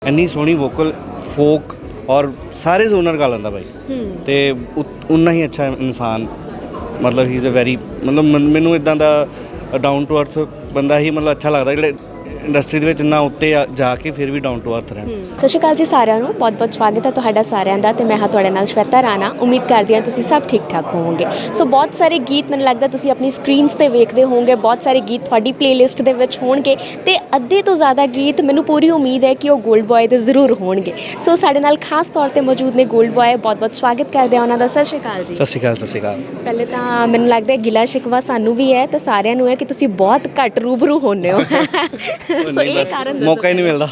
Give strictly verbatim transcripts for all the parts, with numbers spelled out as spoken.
ਇੰਨੀ ਸੋਹਣੀ vocal folk ਔਰ ਸਾਰੇ ਜ਼ੋਨਰ ਗਾ ਲੈਂਦਾ ਬਾਈ ਤੇ ਉਨਾ ਹੀ ਅੱਛਾ ਇਨਸਾਨ ਮਤਲਬ ਹੀ ਇਜ਼ ਅ ਵੈਰੀ ਮਤਲਬ ਮਨ- ਮੈਨੂੰ ਇੱਦਾਂ ਦਾ ਡਾਊਨ ਟੂ ਅਰਥ ਬੰਦਾ ਹੀ ਮਤਲਬ ਅੱਛਾ ਲੱਗਦਾ ਜਿਹੜੇ ਇੰਡਸਟਰੀ ਦੇ ਵਿੱਚ ਇੰਨਾ ਉੱਤੇ ਆ- ਜਾ ਕੇ ਫਿਰ ਵੀ ਡਾਊਨ ਟੂ ਅਰਥ ਰਹਿਣ। ਸਤਿ ਸ਼੍ਰੀ ਅਕਾਲ ਜੀ ਸਾਰਿਆਂ ਨੂੰ, ਬਹੁਤ ਬਹੁਤ ਸਵਾਗਤ ਹੈ ਤੁਹਾਡਾ ਸਾਰਿਆਂ ਦਾ ਤੇ ਮੈਂ ਹਾਂ ਤੁਹਾਡੇ ਨਾਲ ਸ਼ਵੇਤਾ ਰਾਣਾ। ਉਮੀਦ ਕਰਦੀ ਹਾਂ ਤੁਸੀਂ ਸਭ ਠੀਕ ਠਾਕ ਹੋਵੋਗੇ। ਸੋ ਬਹੁਤ ਸਾਰੇ ਗੀਤ ਮੈਨੂੰ ਲੱਗਦਾ ਤੁਸੀਂ ਆਪਣੀ ਸਕਰੀਨਸ ਤੇ ਵੇਖਦੇ ਹੋਵੋਗੇ, ਬਹੁਤ ਸਾਰੇ ਗੀਤ ਤੁਹਾਡੀ ਪਲੇਲਿਸਟ ਦੇ ਵਿੱਚ ਹੋਣਗੇ ਤੇ ਅੱਧੇ ਤੋਂ ਜ਼ਿਆਦਾ ਗੀਤ ਮੈਨੂੰ ਪੂਰੀ ਉਮੀਦ ਹੈ ਕਿ ਉਹ ਗੋਲਡ ਬॉय ਦੇ ਜ਼ਰੂਰ ਹੋਣਗੇ। ਸੋ ਸਾਡੇ ਨਾਲ ਖਾਸ ਤੌਰ ਤੇ ਮੌਜੂਦ ਨੇ ਗੋਲਡ ਬॉय, ਬਹੁਤ ਬਹੁਤ ਸਵਾਗਤ ਕਰਦੇ ਹਾਂ ਉਹਨਾਂ ਦਾ। ਸਤਿ ਸ਼੍ਰੀ ਅਕਾਲ ਜੀ। ਸਤਿ ਸ਼੍ਰੀ ਅਕਾਲ। ਸਤਿ ਸ਼੍ਰੀ ਅਕਾਲ। ਪਹਿਲੇ ਤਾਂ ਮੈਨੂੰ ਲੱਗਦਾ ਗਿਲਾ ਸ਼ਿਕਵਾ ਸਾਨੂੰ ਵੀ ਹੈ ਤੇ ਸਾਰਿਆਂ ਨੂੰ ਹੈ ਕਿ ਤੁਸੀਂ ਬਹੁਤ ਘੱਟ ਰੂਬਰੂ ਹੁੰਦੇ ਹੋ। ਸੋ ਇਹ ਕਾਰਨ ਦੱਸੋ ਮੌਕਾ ਹੀ ਨਹੀਂ ਮਿਲਦਾ।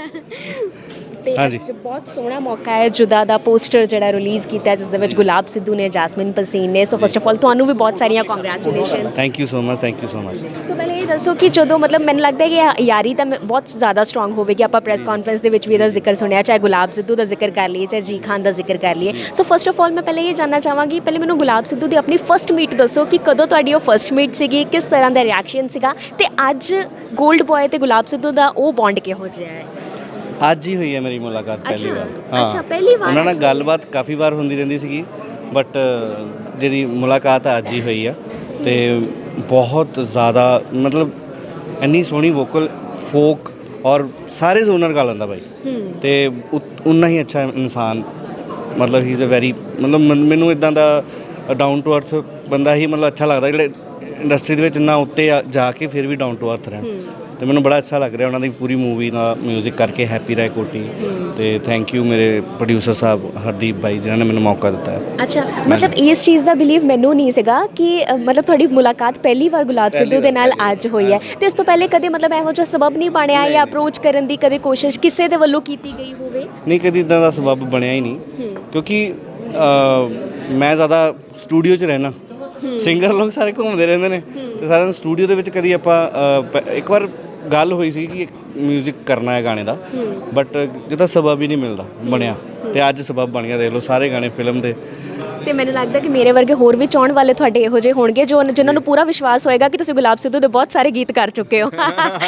ਤੇ ਹਾਂਜੀ। ਅੱਜ ਬਹੁਤ ਸੋਹਣਾ ਮੌਕਾ ਹੈ, ਜੁਦਾ ਦਾ ਪੋਸਟਰ ਜਿਹੜਾ ਰਿਲੀਜ਼ ਕੀਤਾ ਜਿਸ ਦੇ ਵਿੱਚ ਗੁਲਾਬ ਸਿੱਧੂ ਨੇ, ਜੈਸਮਿਨ ਪਸੀਨ ਨੇ। ਸੋ ਫਸਟ ਆਫ ਆਲ ਤੁਹਾਨੂੰ ਵੀ ਬਹੁਤ ਸਾਰੀਆਂ congratulations. Thank you so much. Thank you so much. So ਪਹਿਲੇ ਇਹ ਦੱਸੋ ਕਿ ਜਦੋਂ ਮਤਲਬ ਮੈਨੂੰ ਲੱਗਦਾ ਹੈ ਕਿ ਯਾਰੀ ਤਾਂ ਮ- ਬਹੁਤ ਜ਼ਿਆਦਾ ਸਟਰੋਂਗ ਹੋਵੇਗੀ। ਆਪਾਂ ਪ੍ਰੈਸ ਕਾਨਫਰੰਸ ਦੇ ਵਿੱਚ ਵੀ ਇਹਦਾ ਜ਼ਿਕਰ ਸੁਣਿਆ, ਚਾਹੇ ਗੁਲਾਬ ਸਿੱਧੂ ਦਾ ਜ਼ਿਕਰ ਕਰ ਲਈਏ, ਚਾਹੇ ਜੀ ਖਾਨ ਦਾ ਜ਼ਿਕਰ ਕਰ ਲਈਏ। ਸੋ ਫਸਟ ਆਫ ਆਲ ਮੈਂ ਪਹਿਲੇ ਇਹ ਜਾਨਣਾ ਚਾਹਾਂਗੀ, ਪਹਿਲੇ ਮੈਨੂੰ ਗੁਲਾਬ ਸਿੱਧੂ ਦੀ ਆਪਣੀ ਫਸਟ ਮੀਟ ਦੱਸੋ ਕਿ ਕਦੋਂ ਤੁਹਾਡੀ ਉਹ ਫਸਟ ਮੀਟ ਸੀਗੀ, ਕਿਸ ਤਰ੍ਹਾਂ ਦਾ ਰਿਐਕਸ਼ਨ ਸੀਗਾ ਤੇ ਅੱਜ ਗੋਲਡ ਬॉय ਤੇ ਗੁਲਾਬ ਸਿੱਧੂ ਦਾ ਉਹ ਬੌਂਡ ਕਿਹੋ ਜਿਹਾ ਹੈ? ਅੱਜ ਹੀ ਹੋਈ ਹੈ ਮੇਰੀ ਮੁਲਾਕਾਤ ਪਹਿਲੀ ਅੱਛਾ, ਵਾਰ। ਅੱਛਾ, ਪਹਿਲੀ ਵਾਰ ਉਹਨਾਂ ਨਾਲ ਅੱਜ ਗੱਲਬਾਤ ਕਾਫੀ ਵਾਰ ਹੁੰਦੀ ਰਹਿੰਦੀ ਸੀਗੀ ਬਟ ਜਿਹਦੀ ਮੁਲਾਕਾਤ ਅੱਜ ਹੀ ਹੋਈ ਆ ਤੇ ਬਹੁਤ ਜ਼ਿਆਦਾ ਮਤਲਬ ਇੰਨੀ ਸੋਹਣੀ ਵੋਕਲ ਫੋਕ ਔਰ ਸਾਰੇ ਜ਼ੋਨਰ ਗਾ ਲੈਂਦਾ ਬਾਈ ਤੇ ਉਨਾ ਹੀ ਅੱਛਾ ਇਨਸਾਨ ਮਤਲਬ ਹੀ ਇਜ਼ ਅ ਵੈਰੀ ਮਤਲਬ ਮਨ- ਮੈਨੂੰ ਇੱਦਾਂ ਦਾ ਡਾਊਨ ਟੂ ਅਰਥ ਬੰਦਾ ਹੀ ਮਤਲਬ ਅੱਛਾ ਲੱਗਦਾ ਜਿਹੜੇ ਇੰਡਸਟਰੀ ਦੇ ਵਿੱਚ ਇੰਨਾ ਉੱਤੇ ਆ- ਜਾ ਕੇ ਫਿਰ ਵੀ ਡਾਊਨ ਟੂ ਅਰਥ ਰਹਿਣ। ਤੇ ਮੈਨੂੰ ਬੜਾ ਅੱਛਾ ਲੱਗ ਰਿਹਾ ਉਹਨਾਂ ਦੀ ਪੂਰੀ ਮੂਵੀ ਦਾ ਮਿਊਜ਼ਿਕ ਕਰਕੇ, ਹੈਪੀ ਰਾਏ ਕੋਟੀ ਤੇ ਥੈਂਕ ਯੂ ਮੇਰੇ ਪ੍ਰੋਡਿਊਸਰ ਸਾਹਿਬ ਹਰਦੀਪ ਬਾਈ ਜਿਨ੍ਹਾਂ ਨੇ ਮੈਨੂੰ ਮੌਕਾ ਦਿੱਤਾ ਹੈ। ਅੱਛਾ, ਮਤਲਬ ਇਸ ਚੀਜ਼ ਦਾ ਬਿਲੀਵ ਮੈਨੂੰ ਨਹੀਂ ਸੀਗਾ ਕਿ ਅ, ਮਤਲਬ ਤੁਹਾਡੀ ਮੁਲਾਕਾਤ ਪਹਿਲੀ ਵਾਰ ਗੁਲਾਬ ਸਿੱਧੂ ਦੇ ਨਾਲ ਅੱਜ ਹੋਈ ਹੈ ਤੇ ਇਸ ਤੋਂ ਪਹਿਲੇ ਕਦੇ ਮਤਲਬ ਇਹੋ ਜਿਹਾ ਸਬਬ ਨਹੀਂ ਬਣਿਆ ਜਾਂ ਅਪਰੋਚ ਕਰਨ ਦੀ ਕਦੇ ਕੋਸ਼ਿਸ਼ ਕਿਸੇ ਦੇ ਵੱਲੋਂ ਕੀਤੀ ਗਈ ਹੋਵੇ? ਨਹੀਂ, ਕਦੀ ਇੱਦਾਂ ਦਾ ਸਬੱਬ ਬਣਿਆ ਹੀ ਨਹੀਂ ਕਿਉਂਕਿ ਅ, ਮੈਂ ਜ਼ਿਆਦਾ ਸਟੂਡੀਓ 'ਚ ਰਹਿਣਾ। ਸਿੰਗਰ ਲੋਕ ਸਾਰੇ ਘੁੰਮਦੇ ਰਹਿੰਦੇ ਨੇ ਤੇ ਸਾਰਿਆਂ ਨੂੰ ਸਟੂਡੀਓ ਦੇ ਵਿੱਚ ਕਦੀ ਆਪਾਂ ਅ, ਪ- ਇੱਕ ਵਾਰ ਗੱਲ ਹੋਈ ਸੀ ਕਿ ਮਿਊਜ਼ਿਕ ਕਰਨਾ ਹੈ ਗਾਣੇ ਦਾ ਬਟ ਜਿਹਦਾ ਸਬਬ ਹੀ ਨਹੀਂ ਮਿਲਦਾ ਬਣਿਆ ਤੇ ਅੱਜ ਸਬਬ ਬਣ ਗਿਆ। ਦੇਖ ਲਓ ਸਾਰੇ ਗਾਣੇ ਫਿਲਮ ਦੇ। ਤੇ ਮੈਨੂੰ ਲੱਗਦਾ ਕਿ ਮੇਰੇ ਵਰਗੇ ਹੋਰ ਵੀ ਚਾਹਣ ਵਾਲੇ ਤੁਹਾਡੇ ਇਹੋ ਜਿਹੇ ਹੋਣਗੇ ਜੋ ਜਿਨ੍ਹਾਂ ਨੂੰ ਪੂਰਾ ਵਿਸ਼ਵਾਸ ਹੋਏਗਾ ਕਿ ਤੁਸੀਂ ਗੁਲਾਬ ਸਿੱਧੂ ਦੇ ਬਹੁਤ ਸਾਰੇ ਗੀਤ ਕਰ ਚੁੱਕੇ ਹੋ।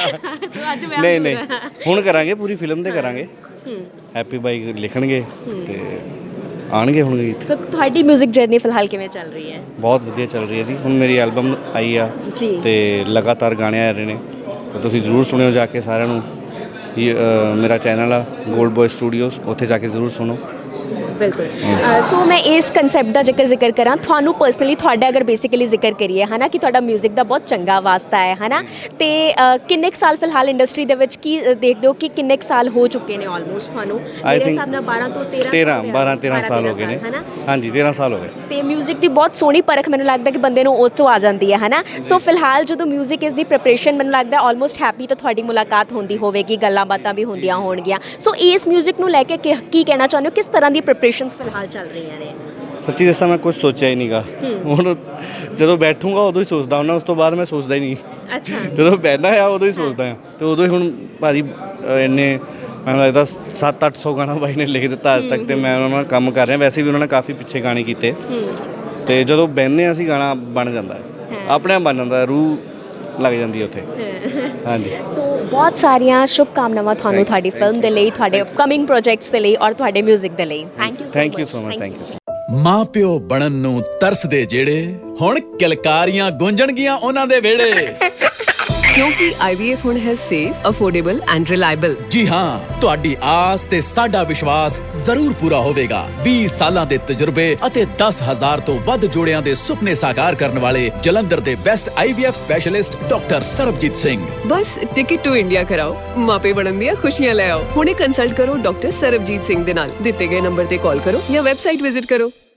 ਅੱਜ ਮੈਂ ਨਹੀਂ ਨਹੀਂ ਹੁਣ ਕਰਾਂਗੇ, ਪੂਰੀ ਫਿਲਮ ਦੇ ਕਰਾਂਗੇ। ਹੈਪੀ ਬਾਈ ਲਿਖਣਗੇ ਤੇ ਆਣਗੇ ਹੁਣ ਗੀਤ। ਸੋ ਤੁਹਾਡੀ 뮤직 ਜਰਨੀ ਫਿਲਹਾਲ ਕਿਵੇਂ ਚੱਲ ਰਹੀ ਹੈ? ਬਹੁਤ ਵਧੀਆ ਚੱਲ ਰਹੀ ਹੈ ਜੀ। ਹੁਣ ਮੇਰੀ ਐਲਬਮ ਆਈ ਆ ਜੀ। ਤੇ ਲਗਾਤਾਰ ਗਾਣੇ ਆ ਰਹੇ ਨੇ ਤੇ ਤੁਸੀਂ ਜ਼ਰੂਰ ਸੁਣਿਓ ਜਾ ਕੇ ਸਾਰਿਆਂ ਨੂੰ। ਇਹ, ਅ, ਮੇਰਾ ਚੈਨਲ ਆ ਗੋਲਡ ਬॉय ਸਟੂਡੀਓਜ਼, ਉੱਥੇ ਜਾ ਕੇ ਜ਼ਰੂਰ ਸੁਣੋ। ਬਿਲਕੁਲ। ਸੋ ਮੈਂ ਇਸ ਕਨਸੈਪਟ ਦਾ ਜ਼ਿਕਰ ਜ਼ਿਕਰ ਕਰਾਂ ਤੁਹਾਨੂੰ ਪਰਸਨਲੀ, ਤੁਹਾਡਾ ਅਗਰ ਬੇਸਿਕਲੀ ਜ਼ਿਕਰ ਕਰੀਏ ਹੈ ਨਾ ਕਿ ਤੁਹਾਡਾ ਮਿਊਜ਼ਿਕ ਦਾ ਬਹੁਤ ਚੰਗਾ ਵਾਸਤਾ ਹੈ ਹੈ ਨਾ ਤੇ ਅ, ਕਿੰਨੇ ਕੁ ਸਾਲ ਫਿਲਹਾਲ ਇੰਡਸਟਰੀ ਦੇ ਵਿੱਚ ਕੀ ਅ, ਦੇਖਦੇ ਹੋ ਕਿ ਕਿੰਨੇ ਕੁ ਸਾਲ ਹੋ ਚੁੱਕੇ ਨੇ ਆਲਮੋਸਟ ਤੁਹਾਨੂੰ? ਮੇਰੇ ਹਿਸਾਬ ਨਾਲ ਬਾਰਾਂ ਤੋਂ ਤੇਰਾਂ ਤੇਰਾਂ ਬਾਰਾਂ ਤੇਰਾਂ ਸਾਲ ਹੋ ਗਏ ਨੇ। ਹੈ ਨਾ? ਹਾਂਜੀ, ਤੇਰਾਂ ਸਾਲ ਹੋ ਗਏ। ਤੇ ਮਿਊਜ਼ਿਕ ਦੀ ਬਹੁਤ ਸੋਹਣੀ ਪਰਖ ਮੈਨੂੰ ਲੱਗਦਾ ਕਿ ਬੰਦੇ ਨੂੰ ਉਹ ਤੋਂ ਆ ਜਾਂਦੀ ਹੈ ਹੈ ਨਾ? ਸੋ ਫਿਲਹਾਲ ਜਦੋਂ ਮਿਊਜ਼ਿਕ ਇਸ ਦੀ ਪ੍ਰੈਪਰੇਸ਼ਨ ਮੈਨੂੰ ਲੱਗਦਾ ਆਲਮੋਸਟ ਹੈਪੀ ਤਾਂ ਤੁਹਾਡੀ ਮੁਲਾਕਾਤ ਹੁੰਦੀ ਹੋਵੇਗੀ, ਗੱਲਾਂ ਬਾਤਾਂ ਵੀ ਹੁੰਦੀਆਂ ਹੋਣਗੀਆਂ। ਸੋ ਇਸ ਮਿਊਜ਼ਿਕ ਨੂੰ ਲੈ ਕੇ ਕਿ- ਕੀ ਕਹਿਣਾ ਚਾਹੁੰਦੇ ਹੋ? ਕਿਸ ਤਰ੍ਹਾਂ ਦੀ ਪ੍ਰੈਪਰੇਸ਼ਨਸ ਫਿਲਹਾਲ ਚੱਲ ਰਹੀਆਂ ਨੇ? ਸੱਚੀ ਦੱਸਾਂ ਮੈਂ ਕੁਝ ਸੋਚਿਆ ਹੀ ਨਹੀਂਗਾ। ਹੁਣ ਜਦੋਂ ਬੈਠੂੰਗਾ ਉਦੋਂ ਹੀ ਸੋਚਦਾ ਹੁੰਦਾ, ਉਸ ਤੋਂ ਬਾਅਦ ਮੈਂ ਸੋਚਦਾ ਹੀ ਨਹੀਂ। ਅੱਛਾ। ਜਦੋਂ ਬਹਿੰਦਾ ਆ ਉਦੋਂ ਹੀ ਸੋਚਦਾ ਆ ਤੇ ਉਦੋਂ ਹੀ ਹੁਣ ਭਾਜੀ ਅ, ਇੰਨੇ ਮੈਨੂੰ ਲੱਗਦਾ ਸੱਤ ਅੱਠ ਸੌ ਗਾਣਾ ਬਾਈ ਨੇ ਲਿਖ ਦਿੱਤਾ ਅੱਜ ਤੱਕ ਤੇ ਮੈਂ ਉਹਨਾਂ ਨਾਲ ਕੰਮ ਕਰ ਰਿਹਾ। ਵੈਸੇ ਵੀ ਉਹਨਾਂ ਨੇ ਕਾਫੀ ਪਿੱਛੇ ਗਾਣੇ ਕੀਤੇ ਤੇ ਜਦੋਂ ਬਹਿੰਦੇ ਹਾਂ ਅਸੀਂ ਗਾਣਾ ਬਣ ਜਾਂਦਾ ਹੈ, ਆਪਣੇ ਆਪ ਬਣ ਜਾਂਦਾ, ਰੂਹ ਲੱਗ ਜਾਂਦੀ ਹੈ ਉੱਥੇ। ਹਾਂਜੀ। ਸੋ ਬਹੁਤ ਸਾਰੀਆਂ ਸ਼ੁਭ ਕਾਮਨਾਵਾਂ ਤੁਹਾਨੂੰ ਤੁਹਾਡੀ ਫਿਲਮ ਦੇ ਲਈ, ਤੁਹਾਡੇ ਅਪਕਮਿੰਗ ਪ੍ਰੋਜੈਕਟਸ ਦੇ ਲਈ ਔਰ ਤੁਹਾਡੇ ਮਿਊਜ਼ਿਕ ਦੇ ਲਈ। Thank you so thank you so much. Thank you. ਮਾਂ ਪਿਓ ਬਣਨ ਨੂੰ ਤਰਸਦੇ ਜਿਹੜੇ ਹੁਣ ਕਿਲਕਾਰੀਆਂ ਗੂੰਜਣਗੀਆਂ ਉਹਨਾਂ ਦੇ ਵਿਹੜੇ। ਕਿਉਂਕਿ I V F ਹੁਣ ਹੈ ਸੇਫ, ਅਫੋਰਡੇਬਲ ਐਂਡ ਰਿਲਾਇਬਲ। ਜੀ ਹਾਂ, ਤੁਹਾਡੀ ਆਸ ਤੇ ਸਾਡਾ ਵਿਸ਼ਵਾਸ ਜ਼ਰੂਰ ਪੂਰਾ ਹੋਵੇਗਾ। ਵੀਹ ਸਾਲਾਂ ਦੇ ਤਜਰਬੇ ਅਤੇ ਦਸ ਹਜ਼ਾਰ ਤੋਂ ਵੱਧ ਜੋੜਿਆਂ ਦੇ ਸੁਪਨੇ ਸਾਕਾਰ ਕਰਨ ਵਾਲੇ ਜਲੰਧਰ ਦੇ best I V F specialist doctor Sarabjit Singh. ਬਸ ਟਿਕਟ ਟੂ ਇੰਡੀਆ ਕਰਾਓ, ਮਾਪੇ ਬਣਨ ਦੀਆਂ ਖੁਸ਼ੀਆਂ ਲੈ ਆਓ। ਹੁਣੇ ਕੰਸਲਟ ਕਰੋ ਡਾਕਟਰ ਸਰਬਜੀਤ ਸਿੰਘ ਦੇ ਨਾਲ। ਦਿੱਤੇ ਗਏ ਨੰਬਰ ਤੇ ਕਾਲ ਕਰੋ ਜਾਂ ਵੈਬਸਾਈਟ ਵਿਜ਼ਿਟ ਕਰੋ।